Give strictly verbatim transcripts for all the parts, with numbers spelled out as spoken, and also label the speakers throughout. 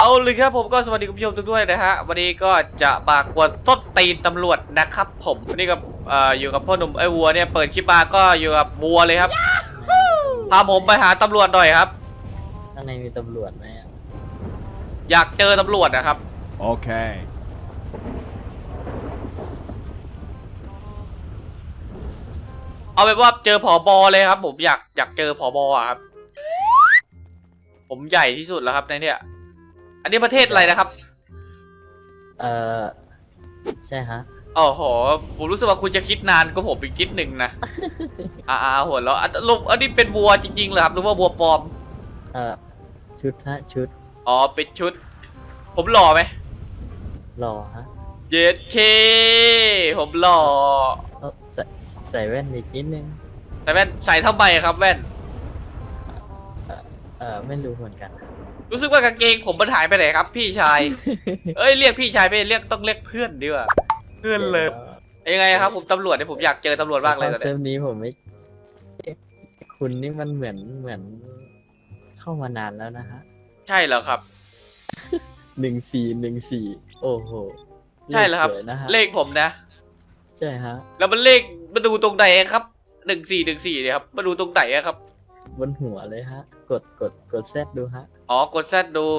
Speaker 1: เอาเลยครับผมก็สวัสดีคุณผู้ชมทุกท่านนะฮะวันนี้ก็จะมากวนส้นตีนตำรวจนะครับผมวันนี้กับเอ่ออยู่กับพ่อหนุ่มไอ้วัวเนี่ยเปิดคลิปมาก็อยู่กับวัวเลยครับพาผมไปหาตำรวจหน่อยครับ
Speaker 2: ข้างในมีตำรวจไหม
Speaker 1: อยากเจอตำรวจนะครับ
Speaker 3: โอเค
Speaker 1: เอาเป็นว่าเจอผอบอเลยครับผมอยากอยากเจอผอบอะครับผมใหญ่ที่สุดแล้วครับในเนี่ยอันนี้ประเทศอะไรนะครับ
Speaker 2: เออใช่ฮะ
Speaker 1: โอ้โหผมรู้สึกว่าคุณจะคิดนานก็ผมอีกคิดหนึ่งนะ อ่าหัวเราะลุงอันนี้เป็นวัวจริงๆเหรอครับหรือว่าวัวปลอม
Speaker 2: เออชุดฮะชุด
Speaker 1: อ๋อเป็นชุดผมหล่อไหม
Speaker 2: หล่อฮะ
Speaker 1: เย็ดเคผมหล่อ
Speaker 2: ใส่ใส่แว่นอีกนิดนึง
Speaker 1: ใส่แว่นใส่ทำไมครับแว่น
Speaker 2: เออเออไม่รู้เหมือนกัน
Speaker 1: รู้สึกว่ากางเกงผมมันหายไปไหนครับพี่ชาย เอ้ยเรียกพี่ชายไปเรียกต้องเรียกเพื่อนดีกว่าเพื่อนเลยยังไงครับผมตำรวจเนี่ยผมอยากเจอตำรวจบ้างเลยตอนนี้
Speaker 2: เซมนี้ผมไม่คุณนี่มันเหมือนเหมือนเข้ามานานแล้วนะฮะ
Speaker 1: ใช่เหรอครับ
Speaker 2: หนึ่งสี่หนึ่งสี่โอ้โห
Speaker 1: ใช่เหรอครับเลขผมนะ
Speaker 2: ใช่ฮะ
Speaker 1: แล้วมันเลขมาดูตรงไหนครับหนึ่งสี่หนึ่งสี่เนี่ยครับมาดูตรงไหนครับ
Speaker 2: บนหัวเลยฮะกดกดกดแซดดูฮะ
Speaker 1: อ๋อกดแซดดู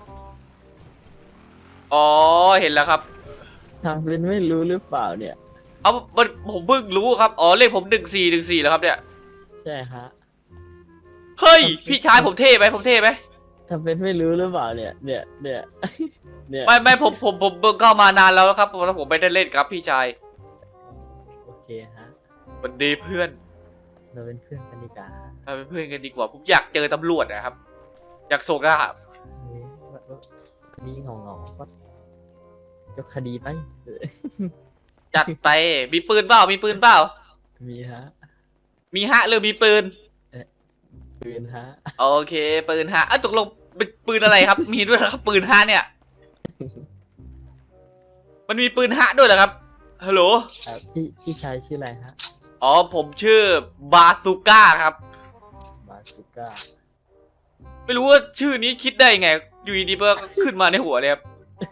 Speaker 1: อ๋อเห็นแล้วครับ
Speaker 2: ทางเป็นไม่รู้หรือเปล่าเนี่ย
Speaker 1: เอาผมเพิ่งรู้ครับอ๋อเลขผมหนึ่งสี่หนึ่งสี่แล้วครับเนี่ย
Speaker 2: ใช่ฮะ
Speaker 1: เฮ้ยพี่ชายผมเท่ไหมผมเท่ไหม
Speaker 2: ทำเป็นไม่รู้หรือเปล่าเนี่ยเนี่ยเนี่ย
Speaker 1: เนี่ยไม่ไม่ผมผมผมเข้ามานานแล้วครับเพราะผมไม่ได้เล่นครับพี่ชาย
Speaker 2: โอเคฮะ
Speaker 1: สวัสดีเพื่อน
Speaker 2: เราเป็นเพื่อนกันดีกว่า
Speaker 1: เราเป็นเพื่อนกันดีกว่าผมอยากเจอตำรวจนะครับอยากโศกอะ
Speaker 2: นี่งงงก็ยกคดีไป
Speaker 1: จัดไปมีปืนเปล่ามีปืนเปล่า
Speaker 2: มีฮะ
Speaker 1: มีฮะหรือมีปืน
Speaker 2: ปืนฮะ
Speaker 1: โอเคปืนฮะอ่ะตกลงเป็นปืนอะไรครับมีด้วยครับปืนฮะเนี่ยมันมีปืนฮะด้วยเหรอครับฮัลโหล
Speaker 2: พี่พี่ชายชื่ออะไรฮะ
Speaker 1: อ๋อผมชื่อบาซูก้าครับ
Speaker 2: บาซูก้า
Speaker 1: ไม่รู้ว่าชื่อนี้คิดได้ไงอยู่ดีๆก็ขึ้นมาในหัวเลยครับ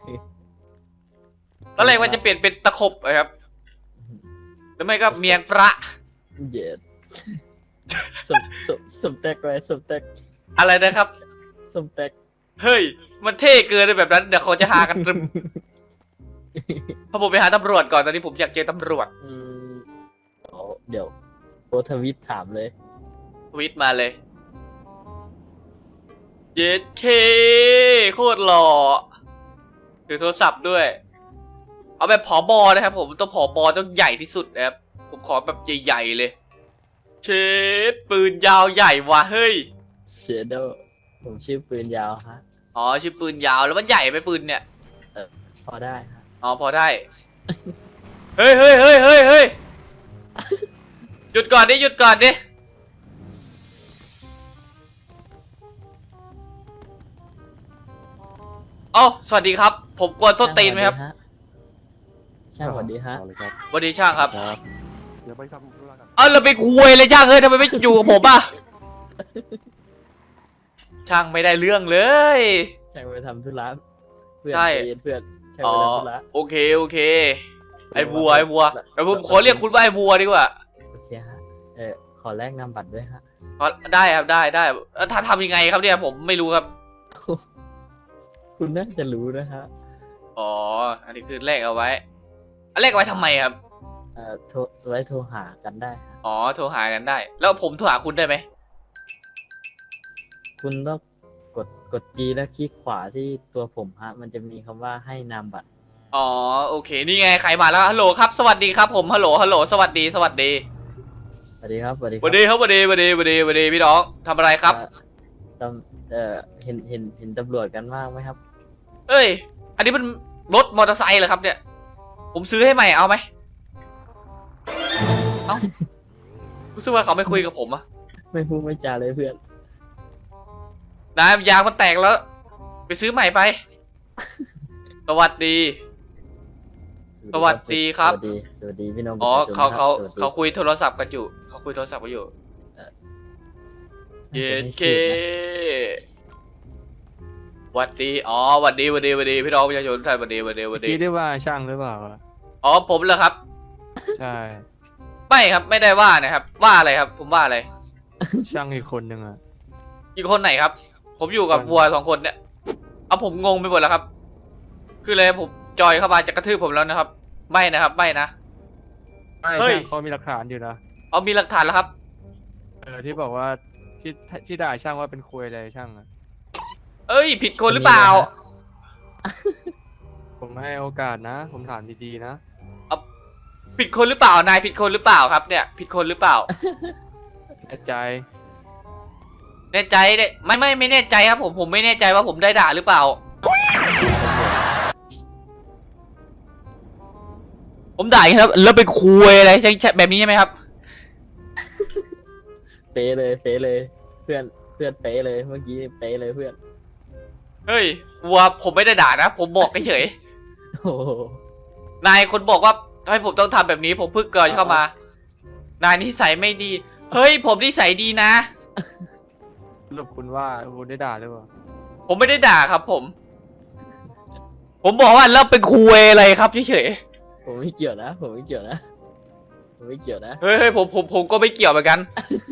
Speaker 1: ตอนแรกว่าจะเปลี่ยนเป็นตะขบครับแล้วไม่ก็เมียงประ
Speaker 2: เย็ดสมสมสมแตกไว้สมแตก
Speaker 1: อะไรนะครับ
Speaker 2: สมแตก
Speaker 1: เฮ้ยมันเท่เกินเลยแบบนั้นเดี๋ยวเขาจะหากันตรึมพอผมไปหาตำรวจก่อนตอนนี้ผมอยากเจอตำรวจ
Speaker 2: เดี๋ยวโพทวิตถามเลย
Speaker 1: ทวิตมาเลยเย็ดเคโคตรหล่อถือโทรศัพท์ด้วยเอาแบบผอบอนะครับผมต้องผอบอต้องใหญ่ที่สุดนะครับผมขอแบบใหญ่ๆเลยเชดปืนยาวใหญ่ว่ะเฮ้ย
Speaker 2: เชดโดผมชื่อปืนยาวฮะ
Speaker 1: อ๋อชื่อปืนยาวแล้วมันใหญ่ไหมปืนเนี่ย
Speaker 2: เออพอได้ฮะ
Speaker 1: อ๋อพอได้เฮ้ยเฮ้ยเฮ้ยเฮ้ยเฮ้ยหยุดก่อนดิหยุดก่อนดิอ๋อสวัสดีครับผมกวนส้นตีนไหมครับ
Speaker 2: ช่างสวัสดีฮะ
Speaker 1: สวัสดีช่างครับ
Speaker 3: เดี๋ยวไปทำธุระกัน
Speaker 1: เออเราไปคุยเลยช่างเฮ้ยทำไมไม่อยู่กับผมอ่ะช่างไม่ได้เรื่องเลย
Speaker 2: ช่างไปทำธุระเพื่อนเพื่อนช่าง
Speaker 1: ไป
Speaker 2: ทำธุระ
Speaker 1: โอเคโอเคไอ้บัวไอ้บัวแต่ผมขอเรียกคุณว่าไอ้บัวดีกว่า
Speaker 2: โอเคฮะเออขอแลกนามบัตรด้วยฮะ
Speaker 1: ได้ครับได้ได้ถ้าทำยังไงครับเนี่ยผมไม่รู้ครับ
Speaker 2: คุณน่าจะรู้นะฮะ
Speaker 1: อ๋ออันนี้คือแลกเอาไว้แลกเอาไว้ทำไมครับ
Speaker 2: เอ่อโทรไว้โทรหากันได้
Speaker 1: อ๋อโทรหากันได้แล้วผมโทรหาคุณได้ไหม
Speaker 2: คุณต้องกดกด G แล้วคลิกขวาที่ตัวผมฮะมันจะมีคำว่าให้นามบัตร
Speaker 1: อ๋อโอเคนี่ไงใครมาแล้วฮัลโหลครับสวัสดีครับผมฮัลโหลฮัลโหลสวัสดีสวัสดี
Speaker 2: สวัสดีครับสวัสดี
Speaker 1: สวัสดีครับสวัสดีสวัสดีสวัสดีสวัสดีพี่น้องทำอะไรครับ
Speaker 2: ตำเอ่อเห็นเห็นเห็นตำรวจกันมากไหมครับ
Speaker 1: เอ้ยอันนี้มันรถมอเตอร์ไซค์เหรอครับเนี่ยผมซื้อให้ใหม่เอาไหมเอ้ารู้สึกว่าเขาไม่คุยกับผมอะ
Speaker 2: ไม่พูดไม่จาเลยเพื่อน
Speaker 1: นายยางมันแตกแล้วไปซื้อใหม่ไปสวัสดีสวัสดีครับ
Speaker 2: สวัสดีสวัสดีพี่น้อง
Speaker 1: อ๋อเขาเขาเขาคุยโทรศัพท์กันอยู่เขาคุยโทรศัพท์กันอยู่เย็นเคหวัดดีอ๋อหวัดดีหวัดดีหวัดดีพี่น้องประชาชนทุกท่านหวัดดีหวัดดีหวัดดี
Speaker 4: คิดได้ว่าช่างหรือเปล่าอะ
Speaker 1: อ๋อผมเหรอครับ
Speaker 4: ใช่
Speaker 1: ไม่ครับไม่ได้ว่านะครับ ว่าอะไรครับ ผมว่าอะไร
Speaker 4: ช่างอีกคนหนึ่งอะ
Speaker 1: อีกคนไหนครับ ผมอยู่กับวัวสองคนเนี่ยเอาผมงงไปหมดแล้วครับ คือเลยผมจอยเข้ามาจะกระทืบผมแล้วนะครับ ไม่นะครับไม่นะ
Speaker 4: ไม่
Speaker 1: เฮ้ย
Speaker 4: ช่างเขามีหลักฐานอยู่นะ
Speaker 1: เอามีหลักฐานแล้วครับ
Speaker 4: เออที่บอกว่าที่ที่ด่าช่างว่าเป็นคุยอะไรช่างอะ
Speaker 1: เอ้ย ผิดคนหรือเปล่า
Speaker 4: ผมให้โอกาสนะ ผมถามดีๆนะ
Speaker 1: ผิดคนหรือเปล่านายผิดคนหรือเปล่าครับเนี่ย ผิดคนหรือเปล่า
Speaker 4: แน่ใจ
Speaker 1: แน่ใจเนี่ยไม่ไม่ไม่แน่ใจครับผมผมไม่แน่ใจว่าผมได้ด่าหรือเปล่า ผมด่าอย่างนี้ครับ แล้วไปคุยอะไรใช่ใช่แบบนี้ใช่ไหมครับ
Speaker 2: เป๊ะเลยเป๊ะเลย เพื่อนเพื่อนเป๊ะเลยเมื่อกี้เป๊ะเลยเพื่อน
Speaker 1: เฮ้ยวัวผมไม่ได้ด่านะ ผมบอกเฉย
Speaker 2: โอ้โห
Speaker 1: ๆนายคนบอกว่าให้ผมต้องทำแบบนี้ผมเพิ่งเกิดเข้ามา นายนิสัยไม่ดี เฮ้ย ผมนิสัยดีนะ
Speaker 4: สรุปคุณว่าคุณได้ด่าหรือเปล่า
Speaker 1: ผมไม่ได้ด่าครับผม ผมบอกว่าแล้วเป็นคุยอะไรครับเฉย
Speaker 2: ผมไม่เกี่ยวนะ ผมไม่เกี่ยวนะ ผมไม่เกี่ยวนะ
Speaker 1: ๆเฮ้ยเฮ้ยผมผมผมก็ไม่เกี่ยวเหมือนกัน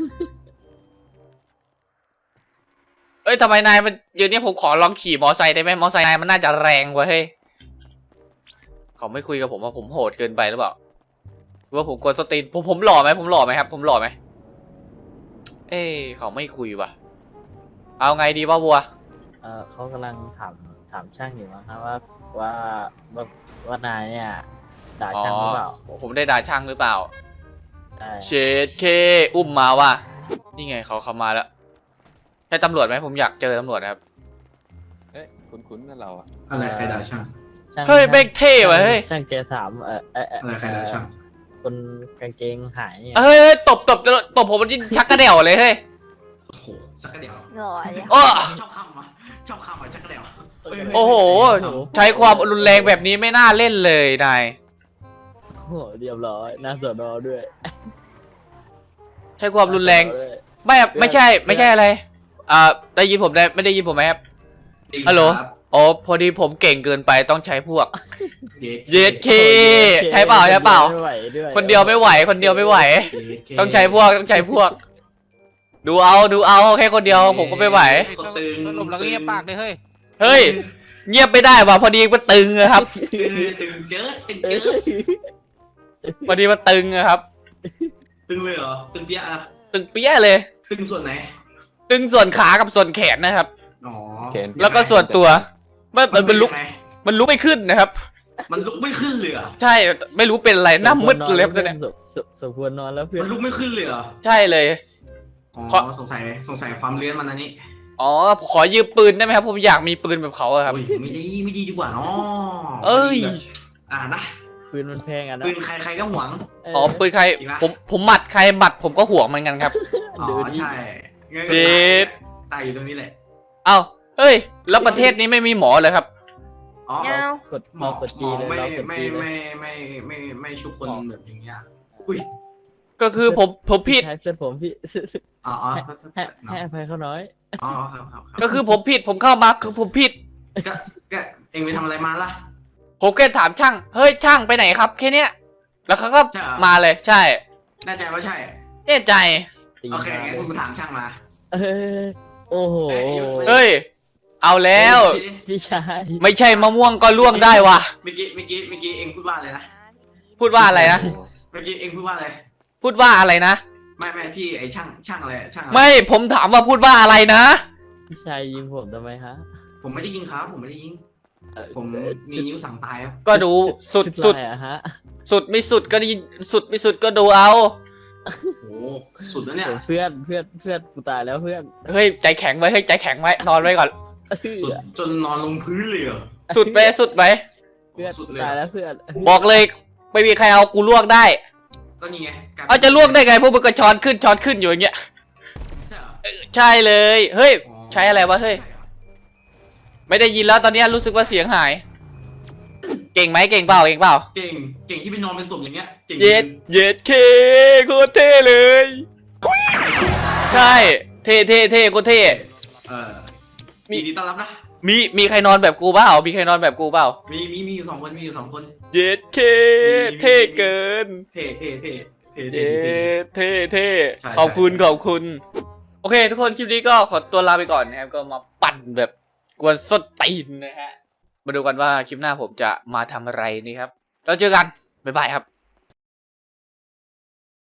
Speaker 1: เอ้ยทำไมนายมันเดี๋ยวนี้ผมขอลองขี่มอไซค์ได้ไหมมอไซค์นายมันน่าจะแรงกว่าเฮ้ยเขาไม่คุยกับผมว่าผมโหดเกินไปหรือเปล่าหรือว่าผมกวนสตรีนผมผมหล่อไหมผมหล่อไหมครับ ผมหล่อไหมเอ้ยเขาไม่คุยว่ะ เอาไงดีวะวัว
Speaker 2: เออเขากำลังถามถามช่างอยู่มั้งครับว่าว่าว่าว่านายเนี่ยด่าช่างหรือเปล่า
Speaker 1: ผมได้ด่าช่างหรือเปล่า
Speaker 2: ใช่
Speaker 1: เชดเคอุ้มมาว่ะนี่ไงเขาเข้ามาแล้วใช่ตำรวจไหมผมอยากเจอตำรวจนะครับ
Speaker 5: เอ๊ะคุ้นๆนั่นเราอะ
Speaker 6: อะไรใครด่าช่าง
Speaker 2: ช่าง
Speaker 1: เฮ้ยเบกเท่ว่ะเฮ้ย
Speaker 2: ช่างแกถามเออเออเออ
Speaker 6: อะไรใครด่าช่าง
Speaker 2: คนกางเกงหายเนี่ย
Speaker 1: เฮ้ยเฮ้ยตบตบตบผมมันยิ่งชักกระเดี่ยวเลยเฮ้ย
Speaker 6: โอ้โหสักกระเดียว
Speaker 7: หล่อเลย
Speaker 1: โอ้
Speaker 6: ชอบคำวะชอบคำวะสักกระเดียว
Speaker 1: โอ้โห ใช้ความรุนแรงแบบนี้ไม่น่าเล่นเลยนาย
Speaker 2: โอ้โหเรียบร้อยหน้าสอนอด้วย
Speaker 1: ใช้ความรุนแรง
Speaker 2: หาสอด้วย
Speaker 1: ไม่ไม่ใช่ ไม่ใช่อะไรอ่าได้ยินผมได้ไม่ได้ยินผมไหมครับฮัลโหลอ๋อพอดีผมเก่งเกินไปต้องใช้พวก เย็ดเค ใช้เปล่าใช้เปล่า
Speaker 2: ไม่ไหวด้วย
Speaker 1: คนเดียวไม่ไหว คนเดียวไม่ไหว ต้องใช้พวกต้องใช้พวก ดูเอาดูเอาแค่คนเดียวผมก็ไม่ไหว
Speaker 8: สรุปแล้วก็เงียบปากเลยเฮ้ย
Speaker 1: เฮ้ย เงียบไม่ได้ว่ะพอดีมันตึงอะครับ
Speaker 6: ตึงเยอะตึง
Speaker 2: เอ้
Speaker 6: เยอะ
Speaker 1: พอดีมันตึงอะครับ
Speaker 6: ตึงเลยเหรอตึงเปี้ยอะ
Speaker 1: ตึงเปี้ยเลย
Speaker 6: ตึงส่วนไหน
Speaker 1: ตึงส่วนขากับส่วนแขนนะครับ
Speaker 6: อ๋อ
Speaker 5: เขน
Speaker 1: แล้วก็ส่วนตัวมันมันมันลุก
Speaker 6: ยังไง
Speaker 1: มันลุกไม่ขึ้นนะครับ
Speaker 6: มันลุกไม่ขึ้นเลยเหรอ
Speaker 1: ใช่ไม่รู้เป็นอะไรหน้ามืดเลยครับเนี่ย
Speaker 2: สมสมสมควรนอนแล้วเพื่อ
Speaker 6: มัน นลุกไม่ขึ้นเลยเหรอ
Speaker 1: ใช่เลย
Speaker 6: อ๋อ
Speaker 1: เพราะ
Speaker 6: สงสัยสงสัยความเลื้อนมันอันนี้
Speaker 1: อ๋อขอยืมปืนได้ไหมครับผมอยากมีปืนแบบเขาอะครับ
Speaker 6: โอ้ยไม่ดีไม่ดีดีกว่าเนาะ
Speaker 1: เอ้ย
Speaker 6: อ่านะ
Speaker 2: ปืนมันแพงอ่ะนะ
Speaker 6: ปืนใครใครก็หวง
Speaker 1: อ๋อปืนใคร
Speaker 6: จริงปะ
Speaker 1: ผมผมหมัดใครหมัดผมก็ห่วงเหมือนกันครับ
Speaker 6: อ๋อ
Speaker 2: ดูดิ
Speaker 6: ใช่งั้น
Speaker 1: เด็
Speaker 6: ก็
Speaker 1: ด
Speaker 6: ตายอยู่ตรงนี้แหละ
Speaker 1: เอ้าเฮ้ย แล้วประเทศนี้ไม่มีหมอเลยครับ
Speaker 6: อ๋อ
Speaker 7: เงาก
Speaker 2: ด
Speaker 6: หมอก
Speaker 2: ด
Speaker 6: หม
Speaker 2: จี
Speaker 6: อ
Speaker 2: เลย
Speaker 6: ไม่
Speaker 2: เรากด
Speaker 6: ไม่
Speaker 2: จีเลย
Speaker 6: ไม่ไม่ไม่ไม่ไม่ชุบคนแบบอย่างเงี้ยอุ้ย
Speaker 1: ก็คือผมผมผิด
Speaker 2: ใช่เพื่อนผมพี่
Speaker 6: อ๋ออ๋อ
Speaker 2: ให้ให้อภัยเขาน้อย
Speaker 6: อ๋อครับครับครับ
Speaker 1: ก็คือผมผิดผมเข้ามาคือผมผิด
Speaker 6: ก็ก็เองไปทำอะไรมาล่ะ
Speaker 1: ผมแค่ถามช่าง เฮ้ยช่างไปไหนครับแค่เนี้ยแล้วเขาก็
Speaker 6: ใช่เหรอ
Speaker 1: มาเลย ใช่
Speaker 6: แน่ใจว่าใช่
Speaker 1: แน่ใจ
Speaker 2: ตี
Speaker 6: โอเค
Speaker 2: มา
Speaker 6: งั้น
Speaker 2: เล
Speaker 6: คุณ
Speaker 2: ย
Speaker 6: ไปถามช่างมา
Speaker 2: เออโอ้โห
Speaker 1: เฮ้ย เอาแล้ว
Speaker 2: พี่ชาย
Speaker 1: ไม่ใช่มะม่วงก็ล่วงได้ว่ะ
Speaker 6: เมื่อกี้เมื่อกี้เมื่อกี้เองพูดว่าอะไรนะ
Speaker 1: พูดว่าอะไรนะ
Speaker 6: เมื่อกี้เองพูดว่าอะไร
Speaker 1: พูดว่าอะไรนะ
Speaker 6: ไม่ไม่ที่ไอ้ช่างช่างอะไรช่างอะไร
Speaker 1: ไม่ผมถามว่าพูดว่าอะไรนะ
Speaker 2: พี่ชายยิงผมทำไมฮะ
Speaker 6: ผมไม่ได้ยิงครับผมไม่ได้ยิง
Speaker 2: เอ่อ
Speaker 6: ผม
Speaker 2: เอ่อ
Speaker 6: มีนิ้วสั่งตายครับ
Speaker 1: ก็ดูสุด
Speaker 2: ชุ
Speaker 1: สุด
Speaker 2: ลายอะฮะ
Speaker 1: สุดไม่สุดก็ดีสุดไม่สุดก็ดูเอา
Speaker 6: โอ้โหสุดแล้วเนี่ย
Speaker 2: เพื่อนเพื่อนเพื่อนกูตายแล้วเพื่อน
Speaker 1: เฮ้ยใจแข็งไว้เฮ้ยใจแข็งไว้นอนไว้ก่อน
Speaker 6: สุดจนนอนลงพื้นเลยเหรอ
Speaker 1: สุดไปสุดไป
Speaker 2: เพื่อน
Speaker 6: สุด
Speaker 2: กู
Speaker 6: เลย
Speaker 2: ตายแล้วเพื่อน
Speaker 1: บอกเลยไม่มีใครเอากูลวกได้
Speaker 6: ก็นี่ไงกลยป็น
Speaker 1: เอาจะลวกได้ไงพวกมึงก็ช้อนขึ้นช้อนขึ้นอยู่อย่างเงี้ย
Speaker 6: ใช่เหรอ
Speaker 1: เออใช่เลย เฮ้ย
Speaker 6: อ๋อ
Speaker 1: ใช้อะไรวะเฮ้ย
Speaker 6: ใช่หรอ
Speaker 1: ไม่ได้ยินแล้วตอนเนี้ยรู้สึกว่าเสียงหาย เก่งไหมเก่งเปล่าเก่งเปล่า
Speaker 6: เก่งเก่งที่ไปนอนเป็นศพอย่างเงี้ยเก่ง
Speaker 1: เย็ดเย็ดเคโคตรเท่เลย ใช่ เท่เท่เท่โคตรเท่
Speaker 6: เออ
Speaker 1: มี
Speaker 6: ยินดีต้อนรับนะ
Speaker 1: มีมีใครนอนแบบกูเปล่ามีใครนอนแบบกูเปล่า
Speaker 6: มีมีมีอยู่สองคนมีอยู่สองคน
Speaker 1: เย็ดเคเท่เกิน
Speaker 6: เท่เท่เท่เท่
Speaker 1: เย้
Speaker 6: เท่
Speaker 1: เท่เท่
Speaker 6: ใช่
Speaker 1: ขอบคุณ
Speaker 6: ใช่
Speaker 1: ขอบคุณ โอเค ทุกคนคลิปนี้ก็ขอตัวลาไปก่อนนะครับ ก็มาปั่นแบบกวนส้นตีนนะฮะ มาดูกันว่าคลิปหน้าผมจะมาทำอะไรนี่ครับ แล้วเจอกัน บ๊ายบายครับ